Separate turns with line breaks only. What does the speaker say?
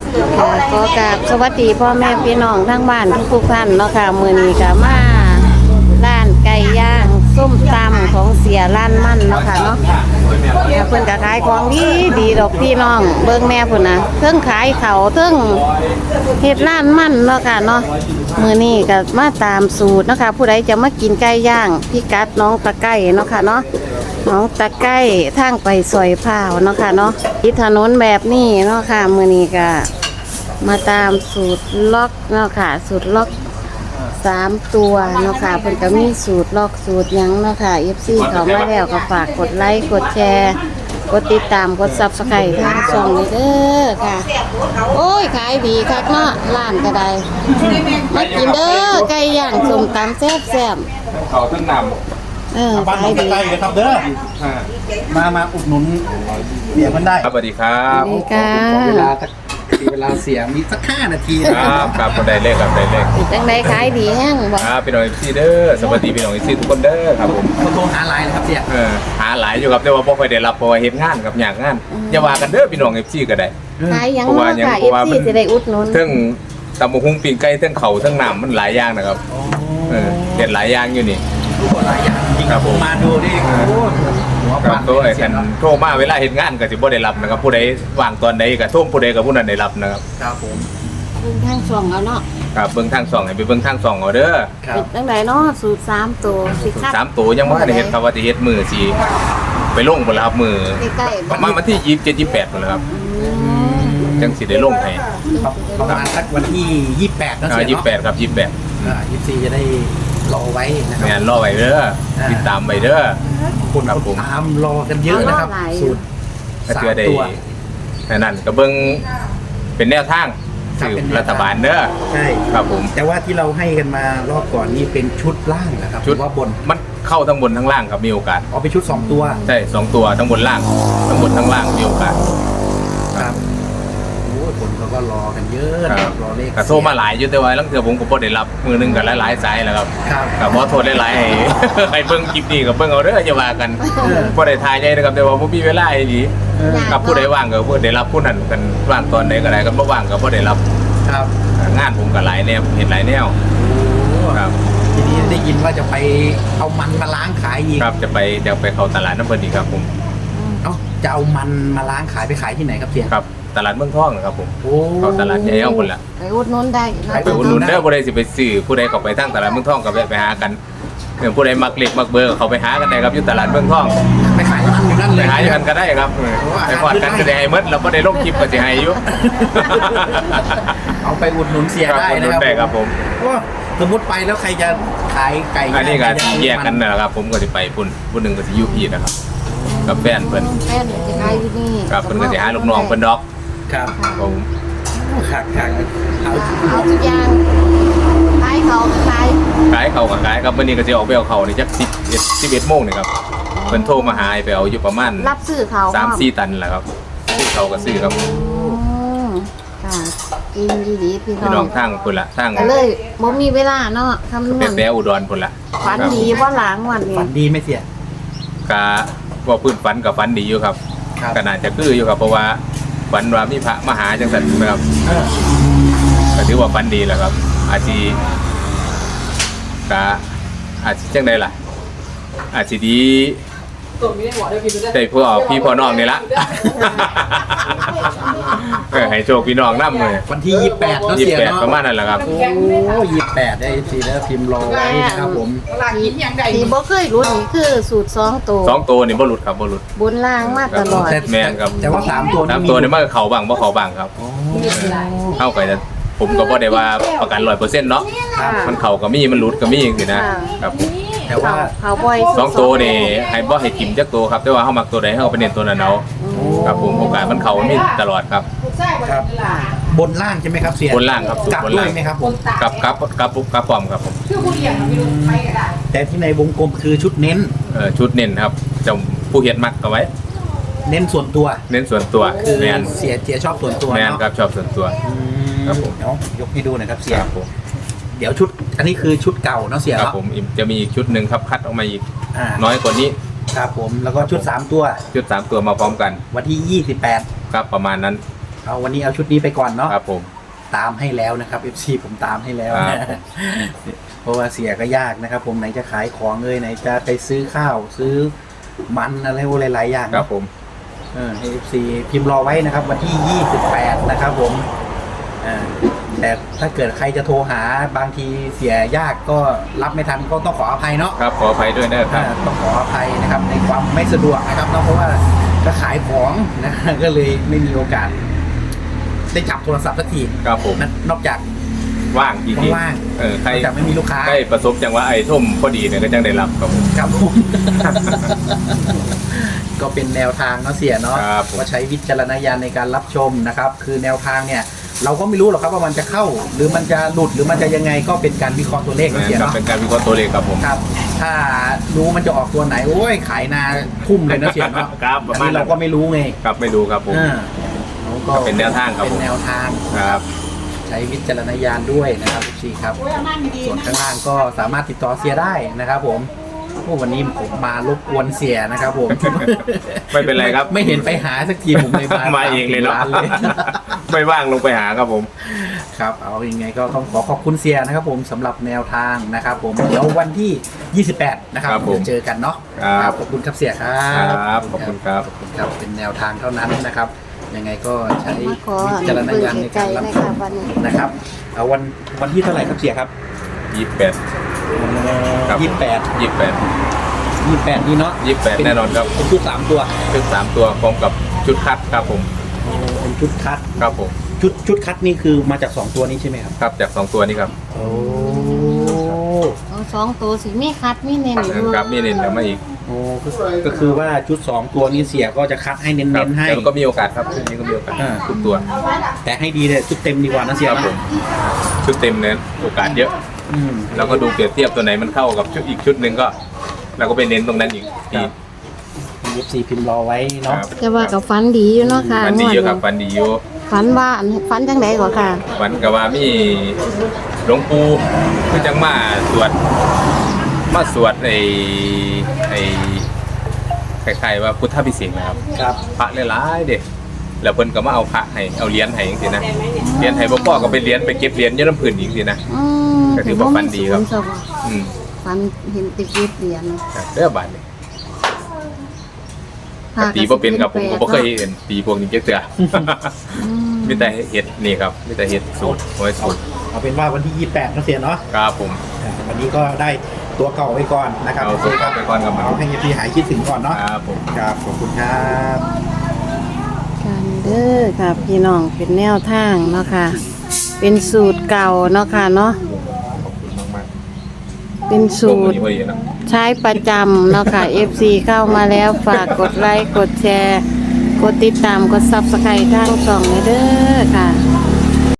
ค่ะขอกราบสวัสดีพ่อแม่พี่น้องทั้งบ้านทุกท่านเนาะค่ะมื้อนี้ก็มาร้านไก่ย่างส้มตำของเสียร้านมั่นเนาะค่ะเนาะเพิ่นก็ขายของดีดอกพี่น้องเบิ่งแม่พุ่นน่ะเทิงขายเขาวเทิงเฮ็ดร้านมั่นเนาะค่ะเนาะมื้อนี้ก็มาตามสูตรเนาะค่ะผู้ใดจะมากินไก่ย่างพิกัดน้องตะไก่เนาะค่ะเนาะน้องตะไก่ทางไปซอยพร้าวเนาะค่ะเนาะที่ถนนแบบนี้เนาะค่ะมื้อนี้ก็มาตามสูตรล็อกเนาะค่ะสูตรล็อก3ตัวเนาะค่ะเพิ่นก็มีสูตรล็อกสูตรหยังเนาะค่ะ FC เข้ามาแล้วก็ฝากกดไลค์กดแชร์กดติดตามกด Subscribe ทางช่องนี้เด้อค่ะโอ้ยขายดีคักเนาะร้านก็ได้มากินเด้อไก่ย่างส้มตำแซ่บๆ
เขาทั้งนำ
ขายดี
ใกล้เลยครับเด้อมาอุดหนุนเสียมันได้
ครับสวัสดีครับ
ดีค่ะ
เวลาเสียมีสัก5 นาที
ครับคนใดเลขครับใดเลข
จังไดขายดีแห้งบ่
ครับพี่น้องซีเด้อสวัสดีพี่น้องซีทุกคนเด้อครับผม
เขาโทรหาไลน์นะครับเสีย
หาหลายอยู่ครับแต่ว่าบ่ค่อยได้รับเพราะว่าเฮ็ดงานกับอยากงานอย่าว่ากันเด้อพี่น้องซีก็ได้
ขายหยังเนาะค่ะ FC สิได้อุดหนุน
ทั้งตำบักหุ่งปิ้งไก่ทั้งเขาทั้งน้ำมันหลายอย่างนะครับเด็ดหลายอย่างอยู่นี่
หลายอย่างจริงครับผมมาดูดิหัว
ค
ปั
รับ
ง
ตัวไอ้กันโทรมาเวลาเฮ็ดงานก็สิบ่ได้รับนะครับผู้ใดว่างตอนใดก็โทรผู้ใดก็ผู้นั้นได้รับนะครับ
ครับผม
เบิ่งทางช่องเอาเนาะ
ครับเบิ่งทาง2ให้ไปเบิ่งทาง2เอาเด้อ
ครับ
เป็นจังไดเนาะสูตร3ตัวสิครับ
3ตัวยังบ่ทันได้เฮ็ดครับว่าสิเฮ็ดมื้อสิไปลงพุ่นล่ะครับมื้อ
ใกล้ๆ
ประมาณวันที่27 28พุ่นล่ะครับจังสิได้ลงให้
ประมาณสักวันที่28นะเสียเนาะ
28ครับ28
24จะได้รอไว้นะครั
แม่นรอไว้เด้อติดตามไว้เด้อ
คนตามรอกันเยอะนะครับสูตร
ก็เชื่อได้
3 ตัว
นั่นก็เบิ่งเป็นแนวทางสื่อรัฐบาลเด้อ
ใช่
ครับผม
แต่ว่าที่เราให้กันมารอบก่อนนี่เป็นชุดล่างนะครับ
ชุด
ว่าบน
มันเข้าทั้งบนทั้งล่างครับมีโอกาส
เอาไปชุด2 ตัว
ใช่2ตัวทั้งบนล่างทั้งบนทั้งล่างมีโอกาส
ครับโอ้ยคนเขาก็รอกันเยอะนะครับรอเลข
ก็โทรมาหลายอยู่แต่ว่าลังเทื่อผมก็บ่ได้รับมือหนึงก็หลายๆสายแล้วครับ
ครับ
ก็บ่โทษหลายๆให้ ให้เบิ่งคลิปนี้ก็เบิ่งเอาเด้ออย่าว่ากันบ่ได้ทายใหญ่นะครับแต่ว่าบ่มีเวลาอีหลีกับผู้ใดว่างก็ผู้ได้รับผู้นั้นกันว่างตอนใดก็ได้กันบ่ว่างก็บ่ได้รับ
ครับ
งานผมก็หลายแนวเห็นหลายแนว
โอ้
ครับ
ทีนี้ได้ยินว่าจะไปเอามันมาล้างขายอีก
ครับจะไปเข้าตลาดน้ำเพิ่นอีกครับผม
เอ้าจะเอามันมาล้างขายไปขายที่ไหนครับเสีย
ครับตลาดเมืองทองนะครับผม
โอ้
เข้าตลาดใหญ่เอาพุ่นล่ะ
ไปอุดหนุนได้เนาะ
ไปอุดหนุนเด้อผู้ใดสิไปซื้อผู้ใดเข้าไปทางตลาดเมืองทองก็ไปหากันผู้ใดมักเล็กมักเบอร์เขาไปหากันได้ครับอยู่ตลาดเมืองทอง
ไปขายมันอยู่นั่น
ไป
เลย
หาอยู่กันก็ได้ครับไปพอดกันก็ได้ให้หมดแล้วบ่ได้ลงคลิปก็สิให้อยู่
เอาไปอุดหนุนเสีย
ครับ
ได้
อุดหนุ
นะ
นได้ครับผม
ว่าสมมติไปแล้วใครจะขายไก่
อันนี้ก็
ใครจะซื้อ
แยกกันนะครับผมก็สิไปพุ่นผู้หนึงก็สิอยู่พี่นะครับกับแฟนเพิ่น
แฟนจะขายอยู่นี่
ครับเพิ่นก็สิหาลูกน้องเพิ่นดอก
ครับ
ผม
ขาดเอา
เอาทุกอย่างขายเขาขาย
ขายเขากับขายครับมื้อนี้ก็สิออกไปเอาเขานี่จัก11โมงนี่ครับเพิ่นโทรมาหาให้ไปเอาอยู่ประมาณ
รับซื้อเขา
3-4 ตันแหละครับซื้อเขาก็ซื้อครับ
ค่ะกินดีๆพี่
พี่
น้
น้
อ
อง งทางพุ่นละทาง
ก็เลยบ่มีเวลาเนาะคำนวณ
แต่อุดรพุ่นละ
ฝันดีว่าหลังวันนี้
ฝันดีไหม่เสีย
กะว่าพื้นฝันกับฝันดีอยู่ครับ
ครับ
ก็น่าจะคืออยู่ครับเพราะว่าฝันว่ามีพระมาหาจังสันนะครับ
เออ
ก็ถือว่าฝันดีแหละครับ อาจสิกะอาจสิจังไดล่ะ อาจสิดีได้พวกพี่พ่อน้องนี่ละ ให้โชคพี่น้องนำเลย
วันที่28เนาะเสียเนาะ
28ประมาณนั้นแหละครับ
โอ้28ได้สิแล้วพิมพ์รอไว้นะครับผม
ที่บ่เคยรู้นี่คือสูตร2ตัว
2ตัวนี่บ่หลุดครับบ่หลุด
บนล่างมาตลอด
แม่นครับ
แต่ว่า3 ตัว
ตามตัวนี่มันก็เข้าบ้างบ่เข้าบ้างครับ
โอ้
เข้าไปแต่ผมก็บ่ได้ว่าประกัน 100% เนาะ
ครับ
มันเข้าก็มีมันหลุดก็มีจังซี่นะครับ
แต่ว่า
เขาบ่อย
สองตัวนี่ให้บ่ให้กินจักตัวครับแต่ว่าเฮามักตัวใดเฮาก็ไปเน้นตัวนั้นเอาครับผมโอกาสมันเข้ามันมีตลอดครับ
ครับบนล่างใช่ไหมครับเสีย
บนล่างครับ
กลับบ
น
ด้ว
ล่าง
ยไหมครับผม
กับปอมครับผม
แต่ที่ในวงกลมคือชุดเน้น
ชุดเน้นครับจะผู้เฮ็ดมักเอาไว้
เน้นส่วนตัว
เน้นส่วนตัว
คือ
แม่น
เสียชอบส่วนตัว
แม่น
เนาะ
ครับชอบส่วนตัว ครับผม
เดี๋ยวยกให้ดูหน่อยครับเสีย
ครับผม
เดี๋ยวชุดอันนี้คือชุดเก่าเนาะเสีย
ครับ
เนาะ
ผมจะมีอีกชุดหนึงครับคัดออกมาอีก
อ่า
น้อยกว่านี้
ครับผมแล้วก็ชุด3 ตัว
ชุด3ตัวมาพร้อมกัน
วันที่28
ครับประมาณนั้น
เอาวันนี้เอาชุดนี้ไปก่อนเนาะ
ครับผม
ตามให้แล้วนะครับ FC ผมตามให้แล้ว
ครั
นะ
บ
เพราะว่าเสียก็ยากนะครับ ผมไหนจะขายของไหนจะไปซื้อข้าวซื้อมันอะไรหลายๆอย่าง
ครับผม
ให้ FC พิมพ์รอไว้นะครับ วันที่ 28 นะครับผมแต่ถ้าเกิดใครจะโทรหาบางทีเสียยากก็รับไม่ทันก็ต้องขออภัยเนาะ
ครับขออภัยด้วยนะครับ
ต้องขออภัยนะครับในความไม่สะดวกนะครับเนาะเพราะว่าก็ขายของนะ ก็เลยไม่มีโอกาสได้จับโทรศัพท์สักที
ครับผม
นอกจาก
ว่างจริงๆ
ว่าง
ใคร
นอกจากไม่มีลูกค้า
ได้ประสบจังหวะไอ้ท่มพอดีเนี่ยก็จังได้รับครับผม
ครับผม ก็เป็นแนวทางเนาะเสียเนาะ
ครับผม
ก็ใช้วิจารณญาณในการรับชมนะครับ คือแนวทางเนี่ย เราก็ไม่รู้หรอกครับว่ามันจะเข้า หรือมันจะหลุดหรือมันจะยังไงก็เป็นการวิเคราะห์ตัวเลขเนาะเสีย
ครับ
เนาะ
เป็นการวิเคราะห์ตัวเลขครับผม
ครับ ถ้ารู้มันจะออกตัวไหนโอ้ยขายนาทุ่มเลยนะเสียเนาะ
ครับประ
อัน
มาณ
นี้
นั้
เรา
น
ก็ไม่รู้ไง
ครับไม่ดูครับผม
ก็
เป็นแนวทางครับผม
เป็นแนวทาง
ครับ
ใช้วิจารณญาณด้วยนะครับทุกทีครับ ส่วนข้างล่างก็สามารถติดต่อเสียได้นะครับผมโอ้วันนี้ผมมารบกวนเสียนะครับผม
ไม่เป็นไรครับ
ไม่เห็นไปหาสักทีผมเลยมา
มาเองเลยเนาะ
ร้เลย
ไม่ว่างลงไปหาครับผม
ครับเอายังไงก็ต้องขอบคุณเสียนะครับผมสำหรับแนวทางนะครับผมเดี๋ยววันที่ 28 นะครับ
ครับผม
เดี๋ยวเจอกันเนาะ
ครับ
ขอบคุณครับเสียครับ
ครับขอบคุณครับ
ขอบคุณครับเป็นแนวทางเท่านั้นนะครับ ยังไงก็ใช้
มาขอ
วิจารณญาณในการรับชม
วันนี้
นะครับเอาวันที่เท่าไหร่ครับเสียครับ
28 ครับ
28
28
นี่เนาะ
28แน่นอนครับ
เป็นชุด3ตัว
ชุด3ตัวพร้อมกับชุดคัดครับผม
เป็นชุดคัด
ครับผม
ชุดคัดนี่คือมาจาก2ตัวนี้ใช่ไหมครับ
ครับจาก2ตัวนี้ครับ
โอ้
เอาสองตัวสิมีคัดมีเน้นอยู่
ครับมีเน้นแล้วมาอีก
โอ้ก็คือว่าชุด2ตัวนี้เสียก็จะคัดให้เน้
ครับ
นๆให้
แต่มันก็มีโอกาสครับชุดนี้ก็มีโอกาส
อ่า
ทุกตัว
แต่ให้ดีเลยชุดเต็มดีกว่านะเสีย
ครับผมชุดเต็มเน้นโอกาสเยอะ
อืม
เราก็ดูเปรียบเทียบตัวไหนมันเข้ากับชุดอีกชุดหนึ่งก็เราก็ไปเน้นตรงนั้นอีกที
FC พิมพ์รอไว้เนาะ
ครับ
จะว่ากับฝันดีอยู่เนาะค่ะ
ฟันดีเยอะครับ
งวด
ฟันดีเยอะ
ฝันว่าฝันจังไดกว่าค่ะ
ฟันกับว่ามีหลวงปู่คือจังมาสวดไอ้คล้ายๆว่าพุทธพิเศษกนะครับ
ครับ
พระหลายๆเด็กแล้วเพิ่นก็มาเอาพระให้เอาเหรียญให้จังซี่นะเหรียญให้บ่พอก็ไปเหรียญไปเก็บเหรียญอยู่น้ำพื้นอีกจังซี่นะ
อืม
ก็ถือว่าฝันดีครับ
ศูนย์
อืม
ฝันเห็นติกิบเหรียญ
เด้อบาดนี้ตีบ่เป็นครับผมก็บ่เคยเห็นตีพวกนี้จักเทื่อ
อืม
มีแต่เฮ็ดนี่ครับมีแต่เฮ็ดสูตรไว้สูตร
เอาเป็นว่าวันที่28นะเสียเนาะ
ครับผม
วันนี้ก็ได้ตัวเก่าไปก่อนนะครับ
เอาตัวเก่าไปก่อนครับ
เอาให้ FC หายคิดถึงก่อนเนาะ
ครับผม
ครับขอบคุณครับ
กันเด้อค่ะพี่น้องเป็นแนวทางเนาะค่ะ เป็นสูตรเก่าเนาะค่ะเนาะ
ขอบคุณมาก
เป็น
ๆ
สูตร
พอดีเนาะ
ใช้ประจำเนาะค่ะ FC เข้ามาแล้วฝากกดไลค์กดแชร์ กดติดตามกด Subscribe ทางช่องเลยเด้อค่ะ